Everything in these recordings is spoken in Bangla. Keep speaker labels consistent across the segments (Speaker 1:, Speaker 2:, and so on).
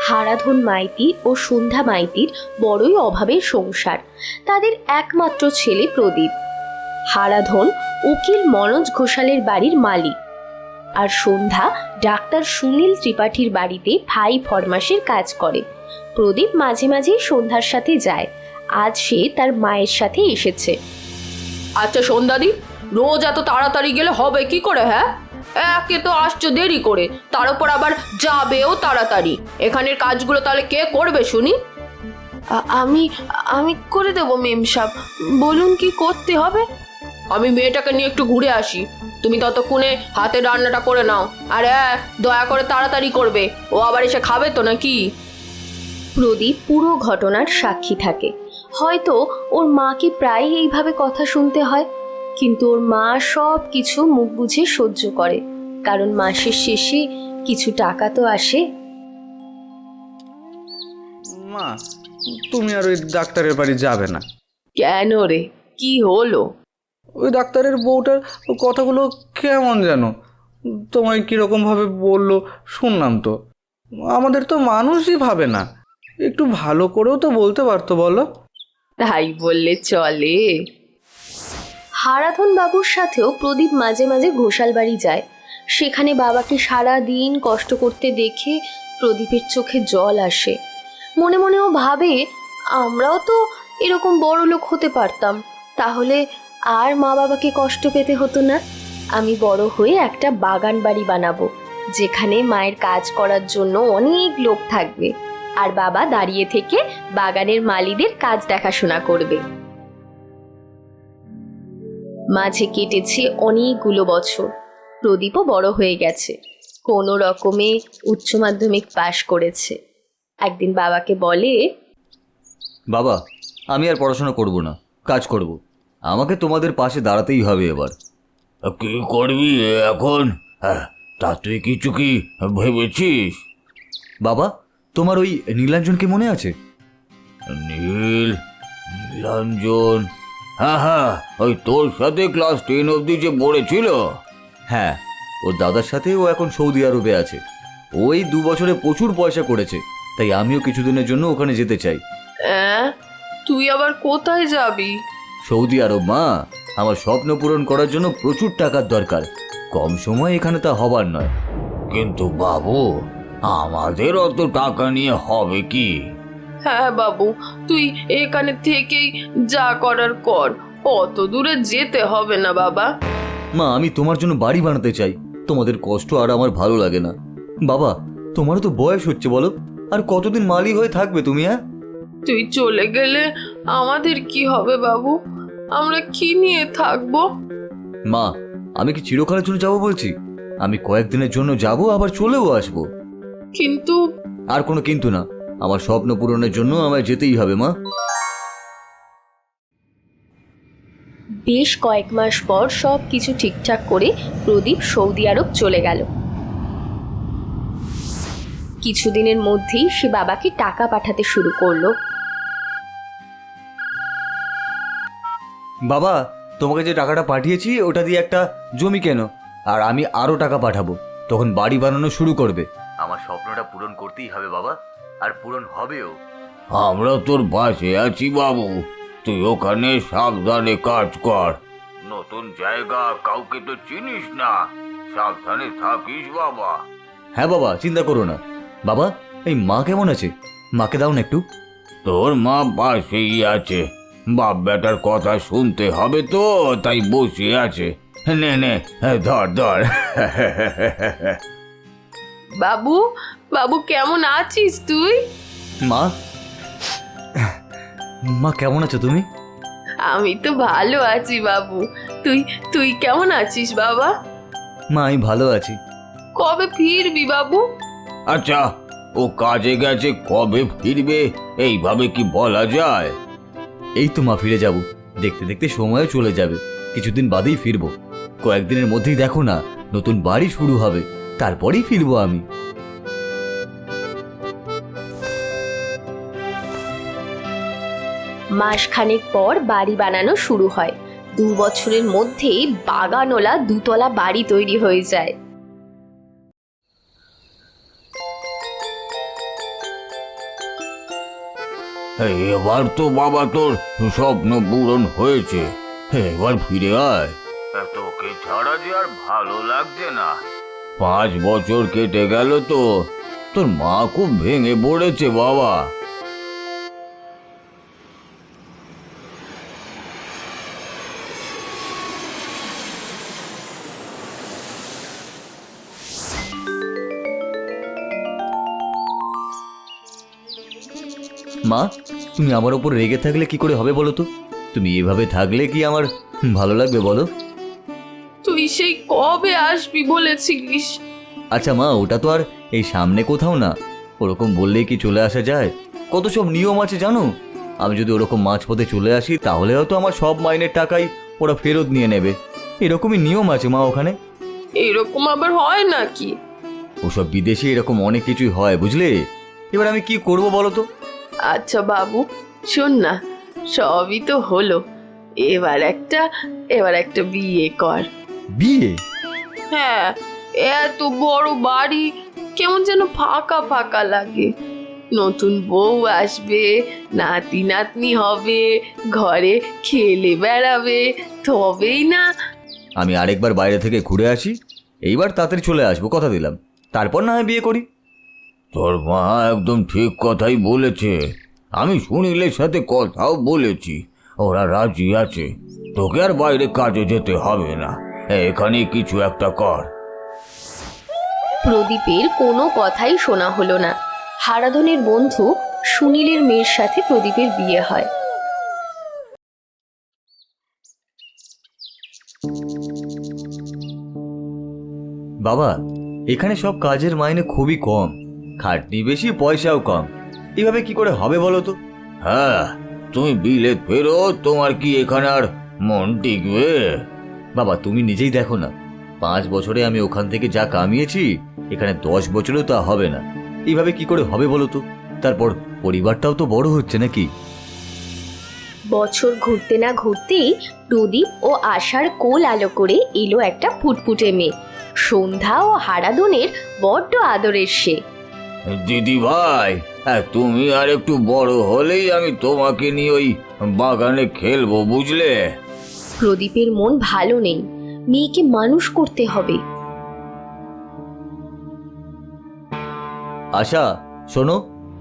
Speaker 1: হারাধন মাইতি ও সন্ধ্যা মাইতির বড়ই অভাবের সংসার। তাদের একমাত্র ছেলে প্রদীপ। হারাধন উকিল মনোজ ঘোষালের বাড়ির মালিক, আর সন্ধ্যা ডাক্তার সুনীল ত্রিপাঠীর বাড়িতে ভাই ফরমাসের কাজ করে। প্রদীপ মাঝে মাঝে সন্ধ্যার সাথে যায়। আজ সে তার মায়ের সাথে এসেছে।
Speaker 2: আচ্ছা সন্ধ্যাদি, রোজ এত তাড়াতাড়ি গেলে হবে কি করে? হ্যাঁ, একে তো আসছো দেরি করে, তার উপর আবার যাবেও তাড়াতাড়ি। এখানের কাজগুলো তাহলে কে করবে শুনি?
Speaker 3: আমি আমি করে দেবো মেম সাহেব, বলুন কি করতে হবে।
Speaker 2: আমি মেয়েটাকে নিয়ে একটু ঘুরে আসি, তুমি ততক্ষণে হাতে রান্নাটা করে নাও। আর দয়া করে তাড়াতাড়ি করবে, ও আবার এসে খাবে তো নাকি?
Speaker 1: প্রদীপ পুরো ঘটনার সাক্ষী থাকে। হয়তো ওর মাকে প্রায় এইভাবে কথা শুনতে হয়, কিন্তু ওর মা সব কিছু মুখ বুঝে সহ্য করে, কারণ মাসের শেষে কিছু টাকা তো আসে।
Speaker 4: মা, তুমি আর ওই ডাক্তারের বাড়ি যাবে না।
Speaker 2: কেন রে, কি হলো?
Speaker 4: ওই ডাক্তারের বউটার কথাগুলো কেমন যেন তোমায় কীরকমভাবে বললো শুনলাম তো। আমাদের তো মানুষই ভাবে না, একটু ভালো করেও তো বলতে পারতো বলো।
Speaker 2: তাই বললে চলে?
Speaker 1: হারাধন বাবুর সাথেও প্রদীপ মাঝে মাঝে ঘোষাল বাড়ি যায়। সেখানে বাবাকে সারা দিন কষ্ট করতে দেখে প্রদীপের চোখে জল আসে। মনে মনেও ভাবে, আমরাও তো এরকম বড় লোক হতে পারতাম, তাহলে আর মা বাবাকে কষ্ট পেতে হতো না। আমি বড় হয়ে একটা বাগান বাড়ি বানাবো, যেখানে মায়ের কাজ করার জন্য অনেক লোক থাকবে, আর বাবা দাঁড়িয়ে থেকে বাগানের মালিদের কাজ দেখাশোনা করবে। মাঝে কেটেছে অনেকগুলো বছর। প্রদীপও বড় হয়ে গেছে, কোনো রকমে উচ্চ মাধ্যমিক পাশ করেছে। একদিন বাবাকে বলে,
Speaker 5: বাবা, আমি আর পড়াশোনা করব না, কাজ করব। আমাকে তোমাদের পাশে দাঁড়াতেই হবে এবার।
Speaker 6: কি করবি এখন? তা তুই কিছু কি ভেবেছিস?
Speaker 5: বাবা, তোমার ওই নীলাঞ্জনকে মনে আছে?
Speaker 6: নীলাঞ্জন? হ্যাঁ হ্যাঁ, ওই তোর সাথে ক্লাস 10 অবধি যে পড়েছিল।
Speaker 5: হ্যাঁ, ওর দাদার সাথে ও এখন সৌদি আরবে আছে। ওই 2 বছরে প্রচুর পয়সা করেছে, তাই আমিও কিছুদিনের জন্য ওখানে যেতে চাই।
Speaker 3: তুই আবার কোথায় যাবি?
Speaker 5: সৌদি আরব মা, আমার স্বপ্ন পূরণ করার জন্য প্রচুর টাকার দরকার। কম সময় এখানে তা হবার নয়।
Speaker 6: কিন্তু বাবু, আমাদের অত টাকা নিয়ে হবে কি?
Speaker 3: হ্যাঁ বাবু, তুই এখানে থেকেই যা করার কর, অত দূরে যেতে হবে না বাবা।
Speaker 5: মা, আমি তোমার জন্য বাড়ি বানাতে চাই, তোমাদের কষ্ট আর আমার ভালো লাগে না। বাবা, তোমারও তো বয়স হচ্ছে, বলো, আর কতদিন মালি হয়ে থাকবে তুমি?
Speaker 3: তুই চলে গেলে আমাদের কি হবে বাবু? আমরা কি নিয়ে থাকবো?
Speaker 5: মা, আমি কি চিরকালের জন্য যাবো বলছি? আমি কয়েকদিনের জন্য যাব, আবার চলেও আসবো।
Speaker 3: কিন্তু
Speaker 5: আর কোনো কিন্তু না, আমার স্বপ্ন পূরণের জন্য আমায় যেতেই হবে মা।
Speaker 1: বেশ কয়েক মাস পর সব কিছু ঠিকঠাক করে প্রদীপ সৌদি আরব চলে গেল। কিছুদিনের মধ্যেই সে বাবাকে টাকা পাঠাতে শুরু করলো।
Speaker 5: বাবা, তোমাকে যে টাকাটা পাঠিয়েছি ওটা দিয়ে একটা জমি কেন, আর আমি আরও টাকা পাঠাবো, তখন বাড়ি বানানো শুরু করবে। আমার স্বপ্নটা পূরণ করতেই হবে বাবা, আর পূরণ হবেও।
Speaker 6: আমরা তোর পাশে আছি বাবু, তুই ওখানে সাবধানে কাজ কর। নতুন জায়গা, কাউকে তো চিনিস না, সাবধানে থাকিস বাবা।
Speaker 5: হ্যাঁ বাবা, চিন্তা করো না। বাবা, এই মা কেমন আছে? মাকে দাও না একটু।
Speaker 6: তোর মা পাশেই আছে, বাপ বেটার কথা শুনতে হবে তো, তাই বসে আছে। নে নে, ধর ধর।
Speaker 3: বাবু, বাবু কেমন আছিস তুই?
Speaker 5: মা, মা কেমন আছো তুমি?
Speaker 3: আমি তো ভালো আছি বাবু, তুই তুই কেমন আছিস বাবা?
Speaker 5: মা, আমি ভালো আছি।
Speaker 3: কবে ফিরবি বাবু?
Speaker 6: আচ্ছা, ও কাজে গেছে, কবে ফিরবে এইভাবে কি বলা যায়?
Speaker 5: এই তো মা, ফিরে যাব, দেখতে দেখতে সময়ও চলে যাবে, কিছুদিন বাদেই ফিরবো। কয়েকদিনের মধ্যেই দেখো না, নতুন বাড়ি শুরু হবে, তারপরেই ফিরবো আমি।
Speaker 1: মাসখানেক পর বাড়ি বানানো শুরু হয়। 2 বছরের মধ্যেই বাগানওয়ালা 2 তলা বাড়ি তৈরি হয়ে যায়।
Speaker 6: এবার তো বাবা তোর স্বপ্ন পূরণ হয়েছে, এবার ফিরে আয়। তোকে ছাড়া যে আর ভালো লাগছে না। 5 বছর কেটে গেল তো, তোর মা খুব ভেঙে পড়েছে বাবা।
Speaker 5: মা, তুমি আমার ওপর রেগে থাকলে কি করে হবে বলো তো? তুমি এভাবে থাকলে কি আমার ভালো লাগবে বলো?
Speaker 3: তুই সেই কবে আসবি বলেছিলিস?
Speaker 5: আচ্ছা মা, ওটা তো আর এই সামনে কোথাও না, ওরকম বললেই কি চলে আসা যায়? কত সব নিয়ম আছে জানো। আমি যদি ওরকম মাঝপথে চলে আসি তাহলে হয়তো আমার সব মাইনের টাকাই ওরা ফেরত নিয়ে নেবে। এরকমই নিয়ম আছে মা ওখানে।
Speaker 3: এরকম আবার হয় নাকি?
Speaker 5: ওসব বিদেশে এরকম অনেক কিছুই হয় বুঝলে। এবার আমি কি করব বলো তো?
Speaker 3: আচ্ছা বাবু, শোন না, সবই তো হলো, এবার একটা বিয়ে কর।
Speaker 5: বিয়ে?
Speaker 3: হ্যাঁ, এত বড় বাড়ি কেমন যেন ফাঁকা ফাঁকা লাগে। নতুন বউ আসবে, নাতি নাতনি হবে, ঘরে খেলে বেড়াবে, তবেই না।
Speaker 5: আমি আরেকবার বাইরে থেকে ঘুরে আসি, এইবার তাড়াতাড়ি চলে আসবো, কথা দিলাম। তারপর না হয় বিয়ে করি।
Speaker 6: তোর মা একদম ঠিক কথাই বলেছে। আমি সুনীলের সাথে কথাও বলেছি, ওরা রাজি আছে। তোকে আর বাইরে কাজে যেতে হবে না, এখানে কিছু একটা কর।
Speaker 1: প্রদীপের কোনো কথাই শোনা হলো না। হারাধনের বন্ধু সুনীলের মেয়ের সাথে প্রদীপের বিয়ে হয়।
Speaker 5: বাবা, এখানে সব কাজের মাইনে খুবই কম, খাটনি বেশি, পয়সাও কম। এভাবে কি করে হবে বলো তো?
Speaker 6: হ্যাঁ, তুমি বিলেত ফেরো, তোমার কি এখানে আর মন টিকবে?
Speaker 5: বাবা তুমি নিজেই দেখো না, 5 বছরে আমি ওখান থেকে যা কামিয়েছি এখানে 10 বছরেও তা হবে না। এইভাবে কি করে হবে বলো তো? তারপর পরিবারটাও তো বড় হচ্ছে নাকি।
Speaker 1: বছর ঘুরতে না ঘুরতেই প্রদীপ ও আশার কোল আলো করে এলো একটা ফুটফুটে মেয়ে। সন্ধ্যা ও হারাধনের বড্ড আদরের সে।
Speaker 6: দিদি ভাই, তুমি আর একটু বড় হলেই আমি তোমাকে নিয়ে ওই বাগানে খেলবো, বুঝলে?
Speaker 1: প্রদীপের মন ভালো নেই, মেয়েকে মানুষ করতে হবে।
Speaker 5: আশা শোনো।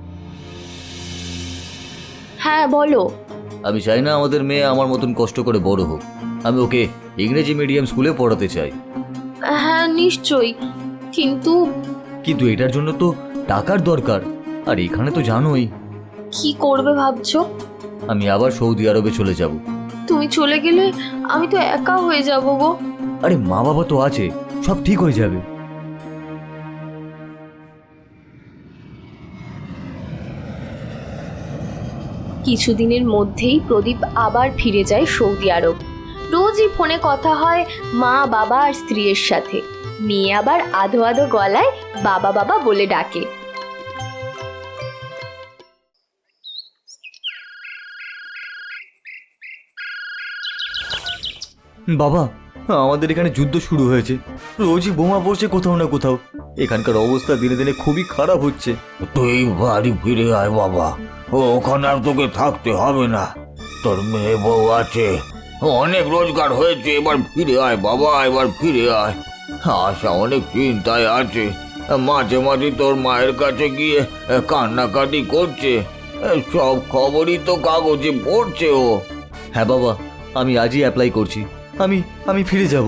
Speaker 1: হ্যাঁ বলো।
Speaker 5: আমি চাই না আমাদের মেয়ে আমার মতন কষ্ট করে বড় হোক। আমি ওকে ইংরেজি মিডিয়াম স্কুলে পড়াতে চাই।
Speaker 1: হ্যাঁ নিশ্চয়ই, কিন্তু
Speaker 5: কিন্তু এটার জন্য তো টাকার দরকার, আর এখানে তো জানোই।
Speaker 1: কি করবে ভাবছো?
Speaker 5: আমি আবার সৌদি আরবে চলে যাব।
Speaker 1: তুমি চলে গেলে আমি তো একা হয়ে যাব গো।
Speaker 5: আরে মা বাবা তো আছে, সব ঠিক হয়ে যাবে।
Speaker 1: কিছুদিনের মধ্যেই প্রদীপ আবার ফিরে যায় সৌদি আরব। রোজই ফোনে কথা হয় মা বাবা আর স্ত্রীর সাথে। মেয়ে আবার আধো আধো গলায় বাবা বাবা বলে ডাকে।
Speaker 5: বাবা, আমাদের এখানে যুদ্ধ শুরু হয়েছে, রোজই বোমা পড়ছে কোথাও না কোথাও। এখানকার অবস্থা দিনে দিনে খুবই খারাপ হচ্ছে।
Speaker 6: তুই বাড়ি ফিরে আয় বাবা, ওখানে আর তোকে থাকতে হবে না। তোর মেয়ে বউ আছে, অনেক রোজগার হয়েছে, এবার ফিরে আয় বাবা, এবার ফিরে আয়। আশা অনেক চিন্তায় আছে, মাঝে মাঝে তোর মায়ের কাছে গিয়ে কান্নাকাটি করছে। সব খবরই তো কাগজে পড়ছে ও।
Speaker 5: হ্যাঁ বাবা, আমি আজই অ্যাপ্লাই করছি। আমি ফিরে যাব।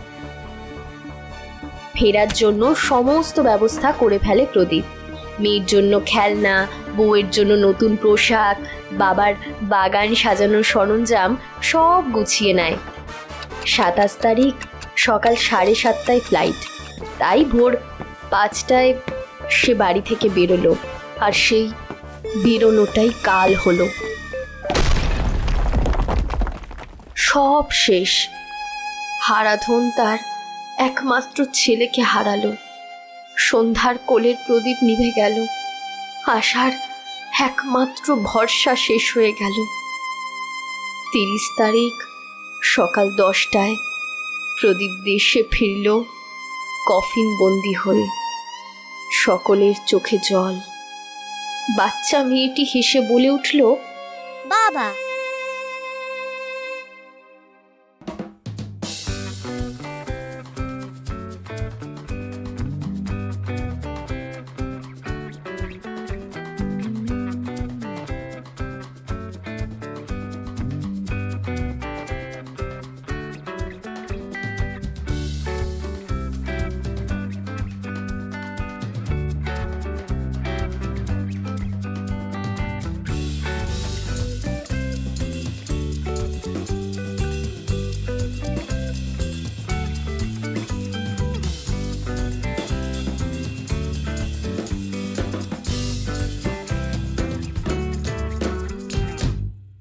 Speaker 1: ফেরার জন্য সমস্ত ব্যবস্থা করে ফেলে প্রদীপ। মেয়ের জন্য খেলনা, বউয়ের জন্য নতুন পোশাক, বাবার বাগান সাজানোর সরঞ্জাম সব গুছিয়ে নেয়। 27 তারিখ সকাল 7:30টায় ফ্লাইট, তাই ভোর 5টায় সে বাড়ি থেকে বেরোলো। আর সেই বেরোনোটাই কাল হলো। সব শেষ। হারাধন তার একমাত্র ছেলেকে হারালো। সন্ধ্যার কোলের প্রদীপ নিভে গেল। আশার একমাত্র ভরসা শেষ হয়ে গেল। 30 তারিখ সকাল 10টায় প্রদীপ দেশে ফিরল কফিন বন্দি হয়ে। সকলের চোখে জল, বাচ্চা মেয়েটি হেসে বলে উঠল,
Speaker 7: বাবা